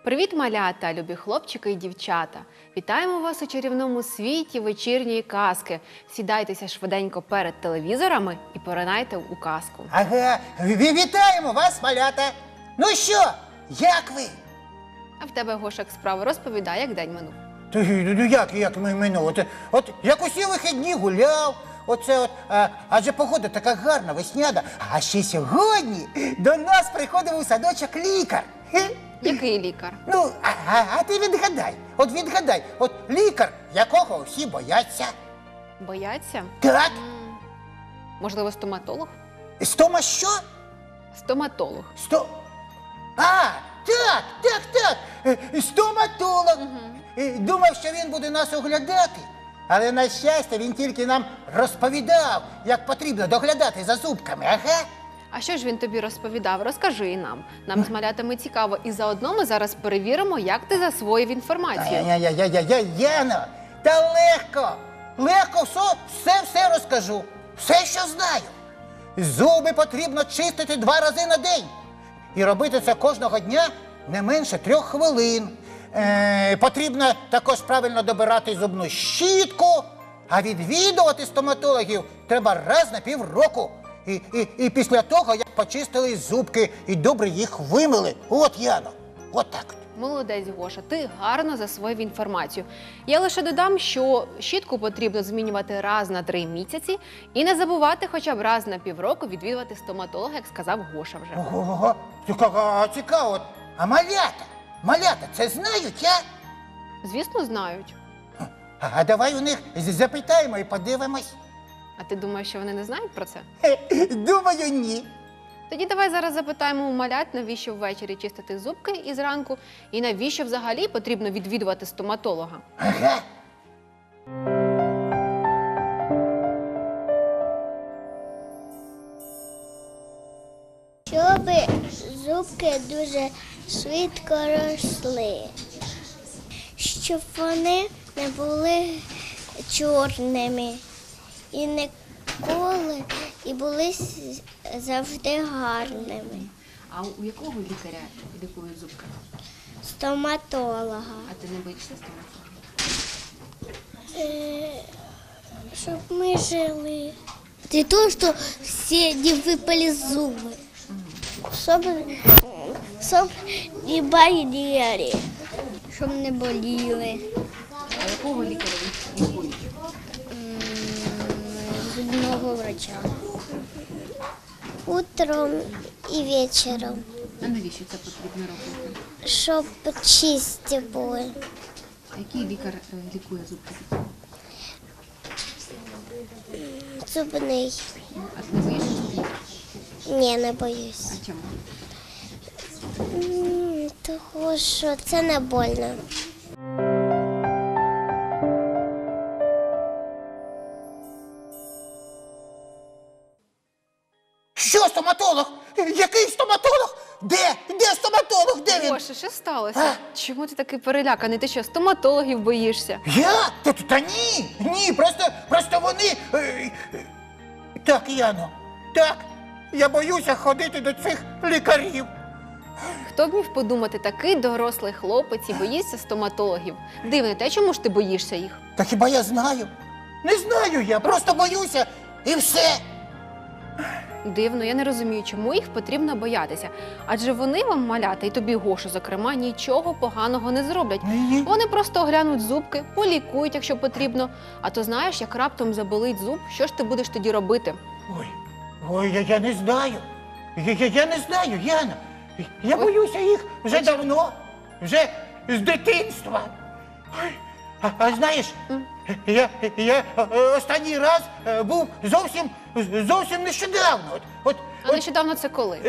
Привіт, малята, любі хлопчики і дівчата! Вітаємо вас у чарівному світі вечірньої казки. Сідайтеся швиденько перед телевізорами і поринайте у казку. Ага, вітаємо вас, малята! Ну що, як ви? А в тебе, Гошак, справа, розповідай, як день минув. Як минуло? От як усі вихідні гуляв, адже погода така гарна, весняна. А ще сьогодні до нас приходив у садочок лікар. Який лікар? Ну, а ти відгадай, лікар, якого всі бояться. Бояться? Так. Можливо, стоматолог? Стома що? Стоматолог. Так, стоматолог. Думав, що він буде нас оглядати, але, на щастя, він тільки нам розповідав, як потрібно доглядати за зубками, ага. А що ж він тобі розповідав? Розкажи і нам. Нам з малятами цікаво. І заодно ми зараз перевіримо, як ти засвоїв інформацію. Яно, та легко все розкажу, все, що знаю. Зуби потрібно чистити 2 рази на день. І робити це кожного дня не менше 3 хвилин. Потрібно також правильно добирати зубну щітку, а відвідувати стоматологів треба раз на півроку. І після того, як почистили зубки і добре їх вимили. От, Яно, от так. Молодець, Гоша, ти гарно засвоїв інформацію. Я лише додам, що щітку потрібно змінювати раз на 3 місяці і не забувати хоча б раз на півроку відвідувати стоматолога, як сказав Гоша вже. Ого, цікаво. А малята це знають, а? Звісно, знають. А давай у них запитаємо і подивимось. А ти думаєш, що вони не знають про це? Думаю, ні. Тоді давай зараз запитаємо у малят, навіщо ввечері чистити зубки і зранку, і навіщо взагалі потрібно відвідувати стоматолога. Ага. Щоб зубки дуже швидко росли, щоб вони не були чорними і ніколи, і були завжди гарними. А у якого лікаря лікують зубки? Стоматолога. А ти не боїшся стоматолога? Щоб ми жили. Для того, що всі не випали зуби. Щоб не боліли. Щоб не боліли. А якого лікаря лікують? Зубного врача. Утром і вечором. А навіщо це потрібно робити? Щоб чисті були. А який лікар лікує зубки? Зубний. А ти не боїшся зубів? Ні, не боюсь. А чому? Тому що це не больно. Що стоматолог? Який стоматолог? Де стоматолог? Де він? Гоша, що сталося? Чому ти такий переляканий? Ти що, стоматологів боїшся? Я? Та ні, просто вони... Так, Яно, так, я боюся ходити до цих лікарів. Хто б міг подумати, такий дорослий хлопець і боїться стоматологів? Дивно те, чому ж ти боїшся їх? Та хіба я знаю? Не знаю я, просто боюся і все. Дивно, я не розумію, чому їх потрібно боятися. Адже вони вам, малята, і тобі, Гошу, зокрема, нічого поганого не зроблять. Ні. Вони просто оглянуть зубки, полікують, якщо потрібно. А то знаєш, як раптом заболить зуб, що ж ти будеш тоді робити? Ой, я не знаю. Я не знаю, Яна. Я боюся їх вже давно, вже з дитинства. Ой, а знаєш, я останній раз був зовсім нещодавно. А нещодавно це коли?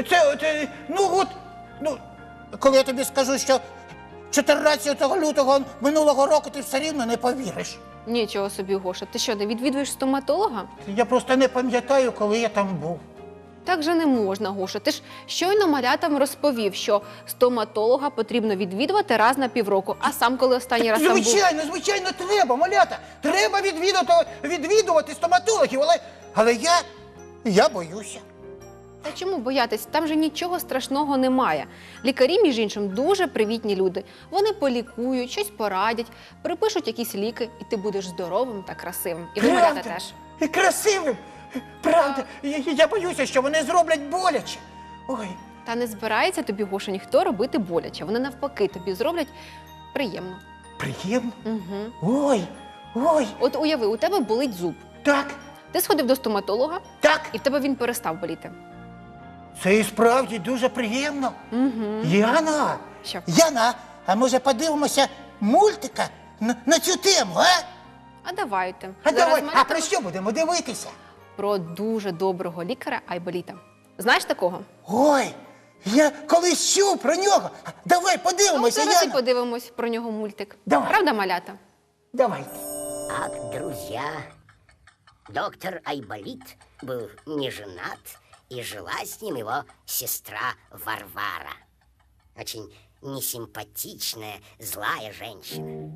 Коли я тобі скажу, що 14 лютого минулого року ти все рівно не повіриш. Нічого собі, Гоша. Ти що, не відвідуєш стоматолога? Я просто не пам'ятаю, коли я там був. Так же не можна, Гоша. Ти ж щойно малятам розповів, що стоматолога потрібно відвідувати раз на півроку. А сам коли останній раз там був? Звичайно, треба, малята. Треба відвідувати стоматологів, але я боюся. Та чому боятись? Там же нічого страшного немає. Лікарі, між іншим, дуже привітні люди. Вони полікують, щось порадять, припишуть якісь ліки, і ти будеш здоровим та красивим. І ви, малята, теж. І красивим. Правда. Я боюся, що вони зроблять боляче. Ой, Та не збирається тобі, Гоша, ніхто робити боляче. Вони навпаки тобі зроблять приємно. приємно. Угу. Ой, От уяви, у тебе болить зуб. так, Ти сходив до стоматолога, так. і в тебе він перестав боліти. Це і справді дуже приємно. Угу. Яна, Що? Яна, а може подивимося мультика на цю тему, а? А давайте. А Зараз давай, малята а про що будемо дивитися? про дуже доброго лікаря Айболіта. Знаєш такого? Ой, я колись чув про нього. Давай Ну, подивимося, зараз і Яна. подивимось про нього мультик. Давай. Правда, малята? Давайте. Ах, друзья, доктор Айболит был не женат, и жила с ним его сестра Варвара. Очень несимпатичная, злая женщина.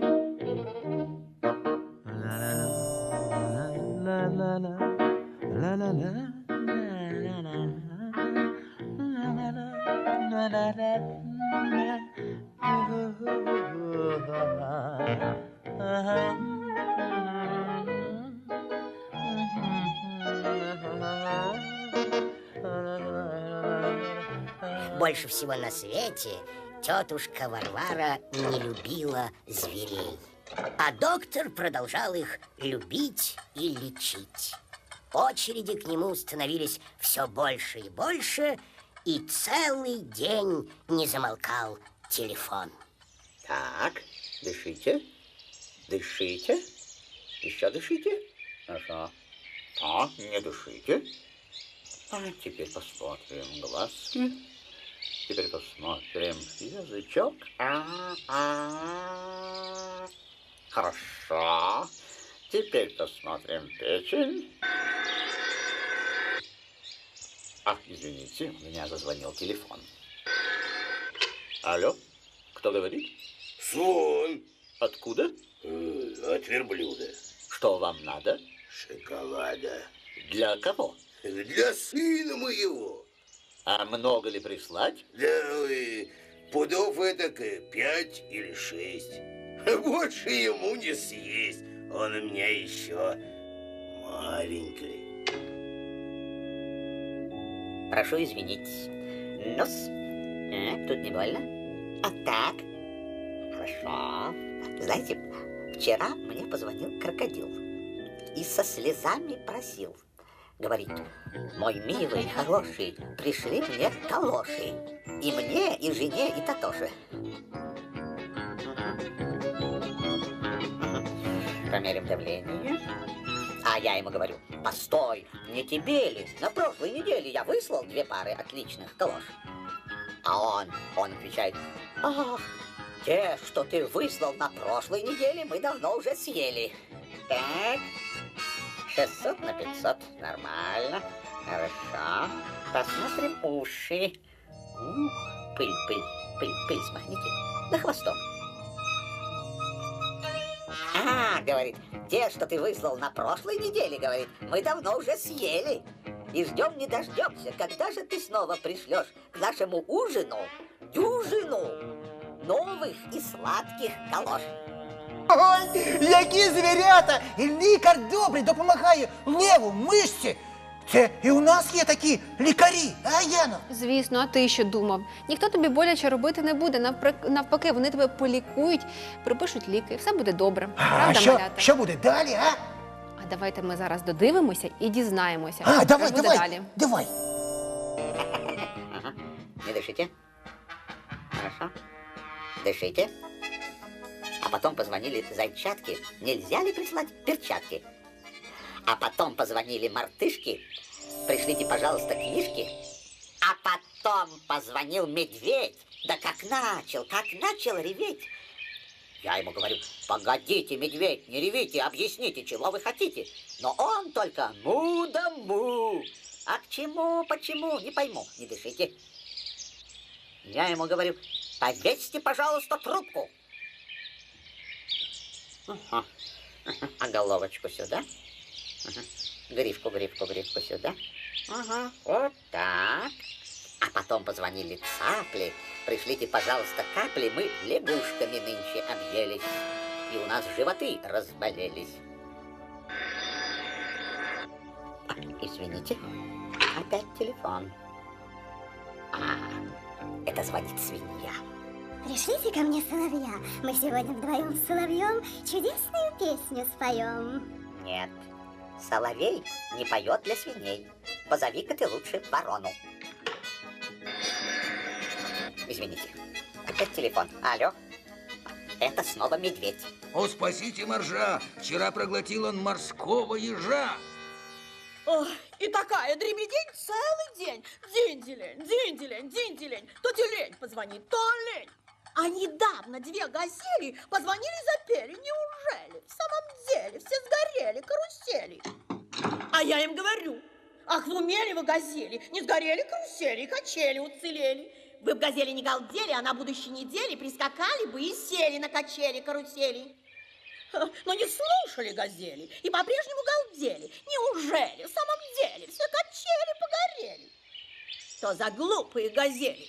Больше всего на свете тетушка Варвара не любила зверей. А доктор продолжал их любить и лечить. Очереди к нему становились все больше и больше, и целый день не замолкал телефон. Так, дышите, дышите, еще дышите. Хорошо. Так, не дышите. А теперь посмотрим глазки. Теперь посмотрим язычок. Хорошо. Теперь посмотрим печень. Ах, извините, у меня зазвонил телефон. Алло, кто говорит? Слон. Откуда? От верблюда. Что вам надо? Шоколада. Для кого? Для сына моего. А много ли прислать? Да, пудов этак 5 или 6. Больше ему не съесть. Он у меня еще маленький. Прошу извинить. Нос. Тут не больно? А так? Хорошо. Знаете, вчера мне позвонил крокодил и со слезами просил. Говорит: мой милый, хороший, пришли мне калоши. И мне, и жене, и Татоше. Померим давление. А я ему говорю: постой, не тебе ли? На прошлой неделе я выслал 2 пары отличных калош. А он отвечает: ах, те, что ты выслал на прошлой неделе, мы давно уже съели. Так, 600 на 500, нормально, хорошо. Посмотрим уши. Пыль смахните. Да хвостом. Говорит, те, что ты выслал на прошлой неделе, говорит, мы давно уже съели. И ждем не дождемся, когда же ты снова пришлешь к нашему ужину дюжину новых и сладких калош. Ой, які звірята! І лікар добрий допомагає леву, мишці. Це і у нас є такі лікарі, а, Яно? Звісно, а ти що думав? Ніхто тобі боляче робити не буде. Навпаки, вони тебе полікують, припишуть ліки, і все буде добре. А Правда, що, малята? що буде далі, а? А давайте ми зараз додивимося і дізнаємося, А, що давай, буде давай, далі. давай. Ага. Не дышите. Хорошо. Дышите. А потом позвонили зайчатки. Нельзя ли прислать перчатки? А потом позвонили мартышки. Пришлите, пожалуйста, книжки. А потом позвонил медведь. Да как начал реветь. Я ему говорю: погодите, медведь, не ревите, объясните, чего вы хотите. Но он только му да му. А к чему, почему, не пойму, не дышите. Я ему говорю: повесьте, пожалуйста, трубку. Ага. А головочку сюда. Ага. Грифку сюда. Ага, вот так. А потом позвонили цапли. Пришлите, пожалуйста, капли. Мы лягушками нынче объелись. И у нас животы разболелись. Извините, опять телефон. Это звонит свинья. Пришлите ко мне соловья. Мы сегодня вдвоем с соловьем чудесную песню споем. Нет, соловей не поет для свиней. Позови-ка ты лучше ворону. Извините, опять телефон. Алло, это снова медведь. О, спасите моржа! Вчера проглотил он морского ежа. Ой, и такая дребедень целый день. Динделень, динделень, динделень. То тюлень позвонит, то лень. А недавно две газели позвонили и запели. Неужели? В самом деле все сгорели карусели. А я им говорю, ах, в уме ли вы газели? Не сгорели карусели, и качели уцелели. Вы б газели не галдели, а на будущей неделе прискакали бы и сели на качели карусели. Но не слушали газели и по-прежнему галдели. Неужели в самом деле все качели погорели? Что за глупые газели?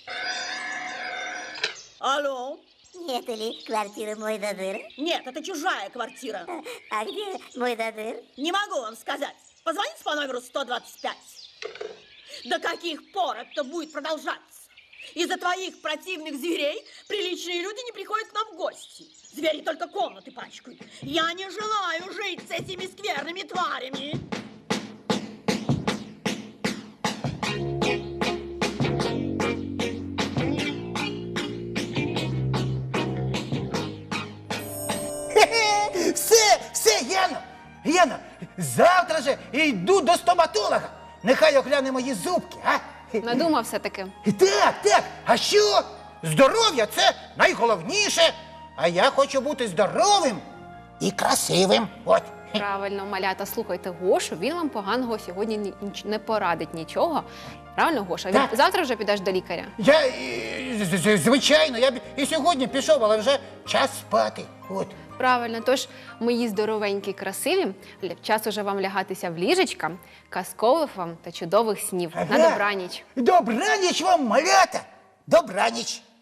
Алло? Нет ли квартиры мой додыр? Нет, это чужая квартира. А где мой додыр? Не могу вам сказать. Позвоните по номеру 125. До каких пор это будет продолжаться? Из-за твоих противных зверей приличные люди не приходят к нам в гости. Звери только комнаты пачкают. Я не желаю жить с этими скверными тварями. Хе-хе! Все, Яно, завтра же йду до стоматолога. Нехай огляне мої зубки, а? Надумав все-таки. Так, а що? Здоров'я – це найголовніше. А я хочу бути здоровим і красивим. От. Правильно, малята, слухайте Гошу, він вам поганого сьогодні не порадить нічого. Правильно, Гоша? Так. Завтра вже підеш до лікаря. Я, звичайно, я б і сьогодні пішов, але вже час спати. От. Правильно, тож, мої здоровенькі, красиві, час уже вам лягатися в ліжечка, казкових вам та чудових снів. На Ага. добраніч. Добраніч вам, малята! Добраніч!